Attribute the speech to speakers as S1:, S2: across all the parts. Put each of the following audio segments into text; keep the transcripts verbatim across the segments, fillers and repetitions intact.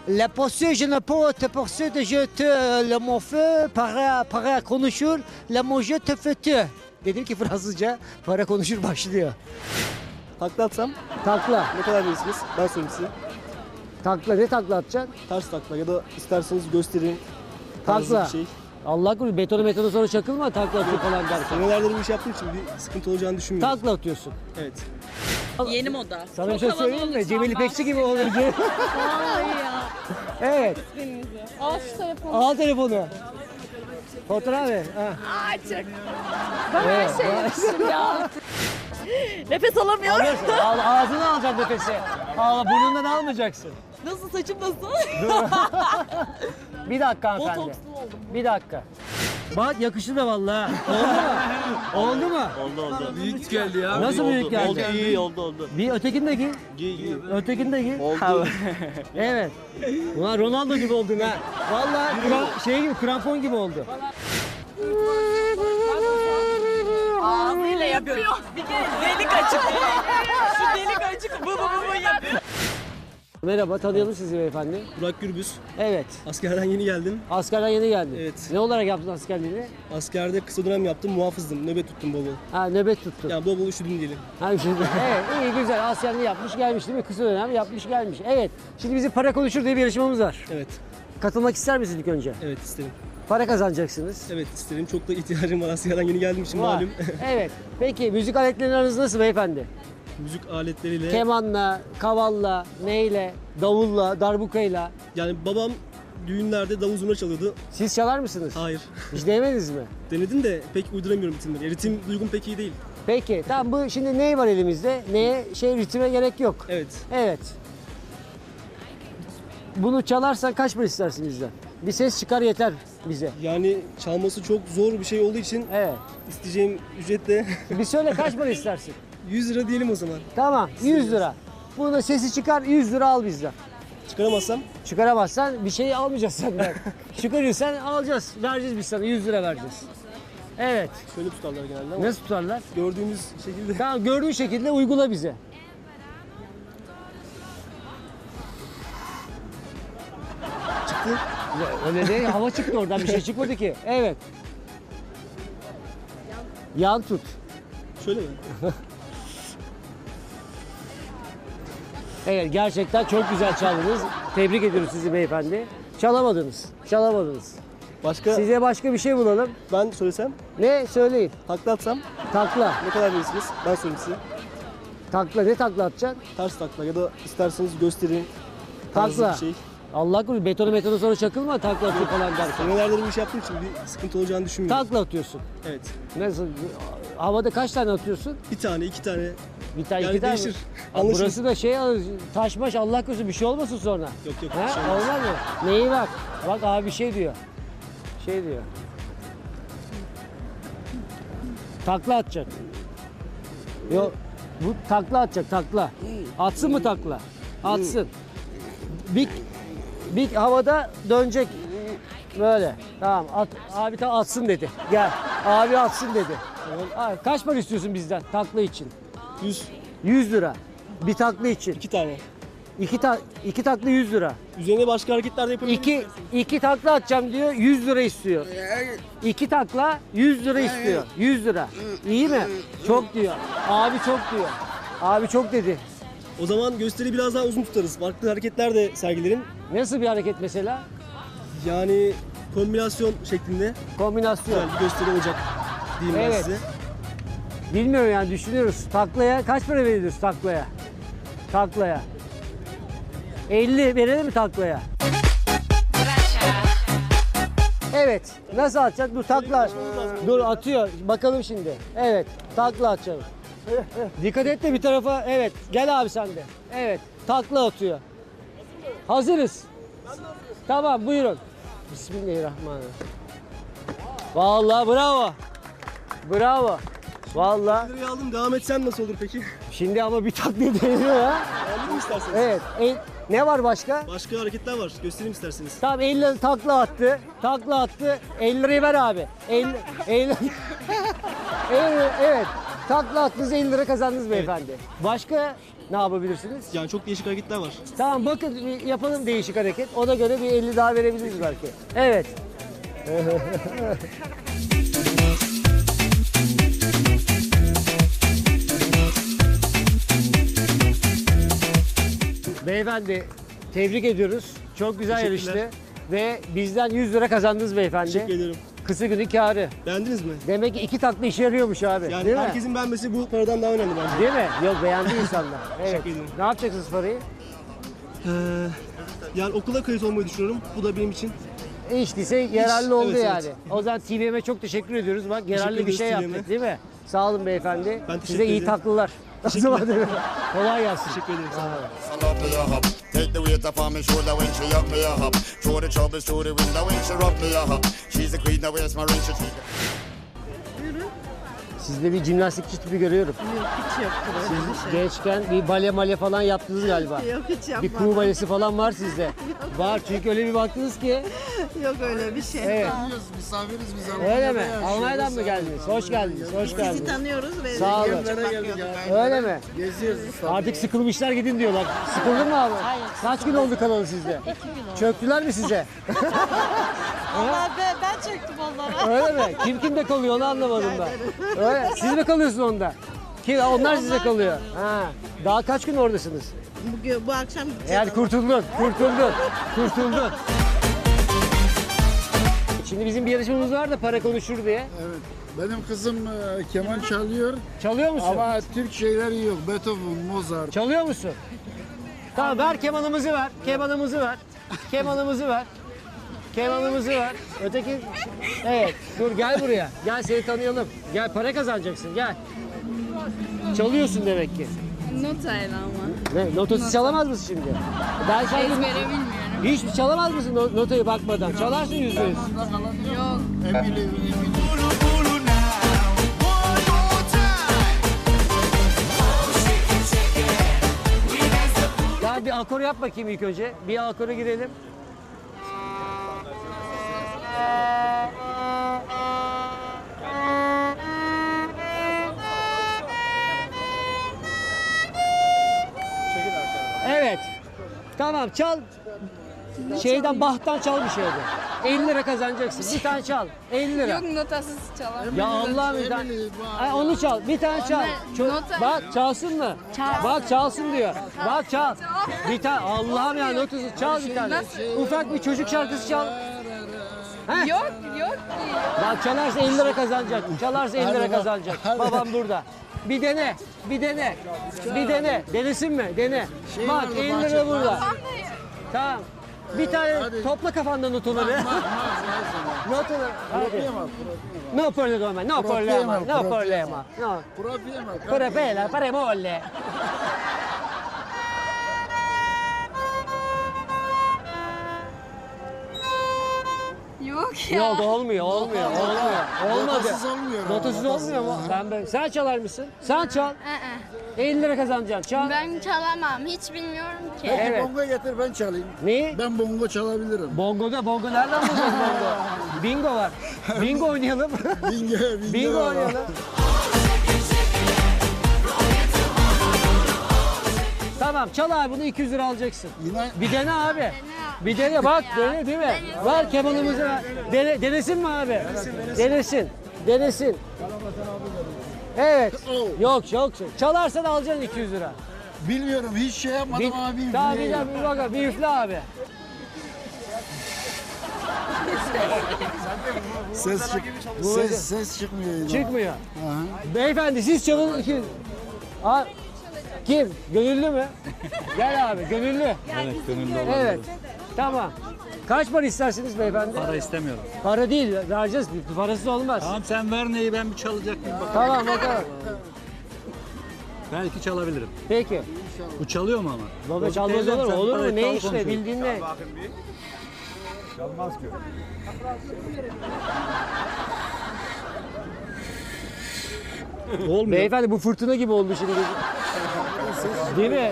S1: La pensée, je ne peux te penser de je te le mon feu, para, para konuşur, la mon je te fais te. Dedim ki Fransızca para konuşur başlıyor.
S2: Takla atsam
S1: Takla.
S2: ne kadar verirsiniz? Ben sorayım size.
S1: Takla ne takla atacaksın?
S2: Ters takla ya da isterseniz göstereyim. Tarzı
S1: Takla.
S2: Bir şey.
S1: Allah korusun betonu metonu sonra çakılma takla atıyor falan derken.
S2: Senelerdir bu iş yaptığım için bir sıkıntı olacağını düşünmüyorum.
S1: Takla atıyorsun.
S2: Evet.
S3: Yeni moda.
S1: Sana bir
S3: Çok
S1: şey
S3: havalı
S1: söyleyeyim mi?
S3: olacağım
S1: Cemil
S3: ben.
S1: İpekçi gibi olur.
S3: Vallahi ya.
S1: Evet.
S3: Al şu telefonu.
S1: Al telefonu. Fotoğraf ver. Ha.
S3: Aa çok. Ben her
S1: Evet,
S3: şeyi
S1: vay.
S3: yapmışım ya. Nefes alamıyorum.
S1: Alırsın. Al, ağzına alacaksın nefesi. Al, burnundan almayacaksın.
S3: Nasıl saçım nasıl?
S1: Bir dakika hanımefendi.
S3: Botokslu oldum.
S1: Bir dakika. Bak yakıştı da vallahi. Oldu mu? Oldu mu?
S4: Oldu oldu.
S5: Büyük geldi ya.
S1: Nasıl
S4: oldu,
S1: büyük geldi?
S4: Oldu iyi oldu oldu.
S1: Bir ötekini de giy.
S4: Giy giy.
S1: Ötekini de giy.
S4: Oldu.
S1: Evet. Ulan Ronaldo gibi oldun ha. Vallahi kra- şey gibi krampon gibi oldu.
S3: Ağzıyla yapıyor. Bir kere delik açık. Şu delik açık. Bu bu bu bu yapıyor.
S1: Merhaba, tanıyalım sizi beyefendi.
S2: Burak Gürbüz.
S1: Evet.
S2: Askerden yeni geldim.
S1: Askerden yeni geldin.
S2: Evet.
S1: Ne olarak yaptın askerliğini?
S2: Askerde kısa dönem yaptım. Muhafızdım. Nöbet tuttum bol bol.
S1: Ha nöbet tuttun.
S2: Yani bol bol üşüdüm diyelim.
S1: Ha, şimdi, evet iyi güzel askerliğini yapmış gelmiş değil mi? Kısa dönem yapmış gelmiş. Evet. Şimdi bizim para konuşur diye bir yarışmamız var.
S2: Evet.
S1: Katılmak ister misiniz ilk önce?
S2: Evet isterim.
S1: Para kazanacaksınız.
S2: Evet isterim. Çok da ihtiyacım var. Askerden yeni geldiğim için
S1: Var.
S2: malum.
S1: Evet. Peki müzik aletlerinin aranız nasıl beyefendi?
S2: Müzik aletleriyle.
S1: Kemanla, kavalla, neyle, davulla, darbukayla.
S2: Yani babam düğünlerde davul zurna çalıyordu.
S1: Siz çalar mısınız?
S2: Hayır.
S1: Hiç denemediniz mi?
S2: Denedim de pek uyduramıyorum ritimleri. Ritim duygum pek iyi değil.
S1: Peki tamam bu şimdi ney var elimizde? Neye şey ritme gerek yok.
S2: Evet.
S1: Evet. Bunu çalarsan kaç para istersin bizden? Bir ses çıkar yeter bize.
S2: Yani çalması çok zor bir şey olduğu için
S1: Evet.
S2: isteyeceğim ücret de
S1: Bir söyle kaç para istersin?
S2: yüz lira diyelim o zaman.
S1: Tamam yüz lira. Bunu sesi çıkar yüz lira al bizden.
S2: Çıkaramazsam
S1: Çıkaramazsan bir şey almayacağız senden. Çıkarırsan alacağız. Vereceğiz biz sana yüz lira vereceğiz. Evet.
S2: şöyle tutarlar genelde ama
S1: Nasıl tutarlar?
S2: gördüğünüz şekilde.
S1: Tamam gördüğün şekilde uygula bize.
S2: Çıktı.
S1: Ya, öyle değil hava çıktı oradan bir şey çıkmadı ki. Evet. Yan tut.
S2: Şöyle mi?
S1: Evet gerçekten çok güzel çaldınız. Tebrik ediyoruz sizi beyefendi. Çalamadınız. Çalamadınız.
S2: Başka
S1: Size başka bir şey bulalım.
S2: ben söylesem,
S1: Ne söyleyin.
S2: takla atsam
S1: Takla.
S2: ne kadar verirsiniz? Ben sorayım size.
S1: Takla ne takla atacaksın?
S2: Ters takla ya da isterseniz göstereyim. Tarzı
S1: Takla.
S2: Bir şey.
S1: Allah korusun betonu metonu sonra çakılma takla atıyor falan derken.
S2: Senelerdir bu iş yaptığım için bir sıkıntı olacağını düşünmüyorum.
S1: Takla atıyorsun.
S2: Evet.
S1: Nasıl? Havada kaç tane atıyorsun?
S2: Bir tane, iki tane.
S1: Bir tane
S2: Yani
S1: iki tane. mi?
S2: değişir.
S1: Aa,
S2: Anlaşılır.
S1: burası da şey taş maş Allah korusun bir şey olmasın sonra.
S2: Yok yok.
S1: Ha?
S2: bir şey olmaz.
S1: Olmaz mı? Neyi bak? Bak abi bir şey diyor. Şey diyor. Takla atacak. Yok. Bu takla atacak takla. Atsın mı takla? Atsın. Bir, bir havada dönecek. Böyle. Tamam. At, abi tam atsın dedi. Gel. Abi atsın dedi. Abi, kaç para istiyorsun bizden takla için?
S2: Yüz,
S1: yüz lira. Bir takla için.
S2: iki tane.
S1: İki, ta, iki takla yüz lira.
S2: Üzerine başka hareketler de yapabilirim.
S1: İki, iki takla atacağım diyor, yüz lira istiyor. İki takla yüz lira istiyor. yüz lira. İyi mi? Çok diyor. Abi çok diyor. Abi çok dedi.
S2: O zaman gösteri biraz daha uzun tutarız. Farklı hareketler de sergilerim.
S1: Nasıl bir hareket mesela?
S2: Yani kombinasyon şeklinde
S1: Kombinasyon.
S2: güzel bir gösteri olacak diyeyim ben
S1: Evet.
S2: size.
S1: Bilmiyorum yani düşünüyoruz. Taklaya kaç para veriyoruz taklaya? Taklaya. elli verelim mi taklaya? Evet. Nasıl atacak? Dur takla. Dur atıyor. Bakalım şimdi. Evet. Takla atacağım. Dikkat et de bir tarafa. Evet. Gel abi sen de. Evet. Takla atıyor. Hazırız. Tamam buyurun. Bismillahirrahmanirrahim. Vallahi bravo. Bravo. Vallahi.
S2: Lirayı aldım. Devam etsem nasıl olur peki?
S1: Şimdi ama bir taklit deniyor ha.
S2: Anladın mı isterseniz?
S1: Evet. El- ne var başka?
S2: Başka hareketler var. Göstereyim isterseniz.
S1: Tamam elli lira takla attı. Takla attı. elli lirayı ver abi. elli, elli, elli, evet. Takla attınız elli lira kazandınız beyefendi. Başka ne yapabilirsiniz?
S2: Yani çok değişik hareketler var.
S1: Tamam bakın bir yapalım değişik hareket. Ona göre bir elli daha verebiliriz belki. Evet. Beyefendi tebrik ediyoruz. Çok güzel
S2: Teşekkürler.
S1: yarıştı. Ve bizden yüz lira kazandınız beyefendi.
S2: Teşekkür ederim.
S1: Kısa günün kârı.
S2: Beğendiniz mi?
S1: Demek ki iki takla işe yarıyormuş abi.
S2: Yani
S1: değil mi?
S2: herkesin beğenmesi bu paradan daha önemli bence.
S1: Değil mi? Yok beğendi insanlar. Evet.
S2: Teşekkür ederim.
S1: Ne yapacaksınız parayı?
S2: Ee, yani okula kayıt olmayı düşünüyorum. Bu da benim için.
S1: Hiç değilse yararlı oldu
S2: evet,
S1: yani.
S2: evet.
S1: O zaman T V M'e çok teşekkür ediyoruz. Bak yararlı bir
S2: ederiz
S1: şey
S2: T V
S1: yaptık
S2: M'e.
S1: değil mi? Sağ olun beyefendi.
S2: Ben teşekkür
S1: Size iyi
S2: ederim.
S1: tatlılar. O zaman kolay gelsin.
S2: Teşekkür ederim. Sağ olun.
S4: I love me a hop. Take the weight off on me shoulder when she up me a hop. Throw the troubles through the window when she rub me a hop. She's the queen of waste my ring. She
S1: Sizde bir jimnastikçi tipi görüyorum.
S5: Yok hiç yoktur öyle
S1: Siz
S5: bir şey.
S1: gençken bir bale male falan yaptınız galiba.
S5: Yok hiç
S1: Bir
S5: yapmadım.
S1: kuğu balesi falan var sizde. Var çünkü öyle bir baktınız ki.
S5: Yok öyle bir şey.
S1: Evet.
S6: Misafiriz biz
S1: Öyle mi? Almanya'dan mı geldiniz? Hoş geldiniz. Hoş
S5: Sizi
S1: geldiniz.
S5: tanıyoruz ve
S1: Sağ olun.
S5: bakıyorduk.
S1: Öyle mi?
S6: Geziyoruz.
S1: Artık sıkılmışlar gidin diyorlar. Sıkıldın mı abi? Hayır. Kaç gün oldu kanalı sizde? İki gün oldu. Çöktüler mi size?
S3: Allah ben, ben çöktüm onlara.
S1: Öyle mi? Kim kimde kalıyor onu anlamadım ben. Öyle. Siz mi kalıyorsun onda? Kim? Onlar size kalıyor. Ha. Daha kaç gün oradasınız?
S5: Bugün, bu akşam gideceğiz.
S1: Yani kurtuldun, kurtuldun, kurtuldun. Şimdi bizim bir yarışmamız var da para konuşur diye.
S6: Evet. Benim kızım e, keman çalıyor
S1: Çalıyor musun?
S6: ama Türk şeyleri yok. Beethoven, Mozart.
S1: Çalıyor musun? Tamam ver kemanımızı ver. Kemanımızı ver. Kemanımızı ver. Kemanımızı ver. Öteki... Evet. Dur gel buraya. Gel seni tanıyalım. Gel para kazanacaksın gel. Çalıyorsun demek ki.
S7: Notayla ama.
S1: Ne? Notası çalamaz mısın şimdi? Ben şarkı...
S7: Ezbere bilmiyorum.
S1: Hiç çalamaz mısın no- notayı bakmadan? Çalarsın yüzde yüz.
S7: Yok.
S6: Emily, Emily.
S1: Ya bir akor yap bakayım ilk önce. Bir akora girelim. Evet. Tamam çal. Şeyden Bach'tan çal bir şeyden. elli lira kazanacaksın. Bir tane çal. elli lira.
S7: Yok notasız çalamam.
S1: Ya Allah'ım bir tane.
S6: Emily, bak.
S1: Ay, onu çal. Bir tane çal. Ço-
S7: nota-
S1: Bak çalsın mı? Bak çalsın diyor. Bak çal. Bir tane Allah'ım ya notası çal bir tane. Ufak bir çocuk şarkısı çal. Heh.
S7: Yok yok ki.
S1: Bak çalarsa elli lira kazanacak. Çalarsa elli lira
S6: Hadi bak,
S1: kazanacak.
S6: hadi.
S1: Babam burada. Bir dene. Bir dene. Bir dene. Denesin mi? Dene.
S6: Şey
S1: Bak
S6: vardı,
S1: elli
S6: bahçe-
S1: lira burada. Tamam. Bir tane
S6: hadi.
S1: topla kafanda notaları. Notaları. Hadi.
S6: Problema,
S1: No problema, no problema, no
S6: Problema,
S1: problema. No.
S6: problema.
S1: Pure bella, pure molle.
S7: Yok ya.
S1: Yok olmuyor, olmuyor, olmuyor. Olmadı.
S6: Notasız olmuyor ama,
S1: Notasız
S6: notasız.
S1: olmuyor mu? Ben böyle. Sen çalar mısın? Sen çal.
S7: Aa,
S1: elli lira kazanacaksın. Çal.
S7: ben çalamam. Hiç bilmiyorum ki.
S6: Peki
S1: Evet.
S6: bongo getir ben çalayım.
S1: Neyi?
S6: Ben bongo çalabilirim.
S1: Bongo'da, bongo nereden bulacağız bongo? Bingo var. Bingo oynayalım.
S6: Bingo, bingo.
S1: Bingo oynayalım. Tamam çal abi bunu iki yüz lira alacaksın.
S6: Yine
S1: Bir dene abi. Bir dene bak dene değil mi? Ver kemanımızı ver. Dene, denesin mi abi? Denesin. Denesin. Evet. Yok yok. Çalarsan alacaksın iki yüz lira.
S6: bilmiyorum hiç şey yapmadım
S1: Bir,
S6: ama bir
S1: tamam bir,
S6: üfleyeyim.
S1: bir bakalım. Bir üfle abi.
S6: Ses çık.
S1: Bu-
S6: Ses ses çıkmıyor yine.
S1: Çıkmıyor.
S6: Aha.
S1: Beyefendi siz çalın. iki- Aa, kim? Gönüllü mü? Gel abi gönüllü.
S8: Evet, gönüllü olabilir.
S1: Evet. Tamam. Kaç para istersiniz beyefendi?
S8: Para istemiyorum.
S1: Para değil, vereceğiz. Parasız olmaz.
S8: Tamam sen ver neyi ben bir çalacak mıyım bakalım.
S1: Tamam bakalım.
S8: Belki çalabilirim.
S1: Peki.
S8: Bu çalıyor mu ama?
S1: Baba
S8: Bozuk
S1: çalmaz
S8: teyzem,
S1: olur mu?
S8: sen
S1: Olur mu?
S8: parayı
S1: Ne
S8: çal
S1: işte
S8: konuşuyoruz.
S1: bildiğin ne?
S8: Çalmaz ki. Olmuyor.
S1: Beyefendi bu fırtına gibi oldu şimdi. Değil mi?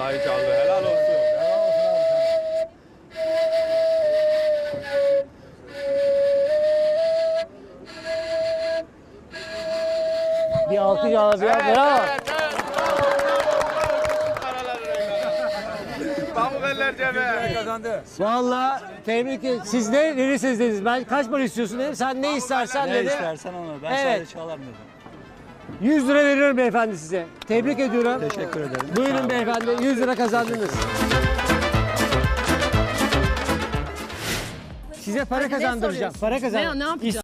S9: Vallahi çaldı. Helal olsun.
S1: Bir alkış al. Bir alkış. Bravo.
S9: Pamuk eller cebe. Kazandı.
S1: Vallahi tebrik ederim. Siz ne verirsiniz dediniz. Ben kaç para istiyorsun dedim. Sen ne istersen
S8: Ne
S1: dedi.
S8: istersen onu. Ben
S1: Evet.
S8: sadece çalarım dedim.
S1: yüz lira veriyorum beyefendi size. Tebrik ediyorum.
S8: Teşekkür ederim.
S1: Buyurun beyefendi. yüz lira kazandınız. Size para kazandıracağım. Para kazan.
S3: Ne- ne yapacağım?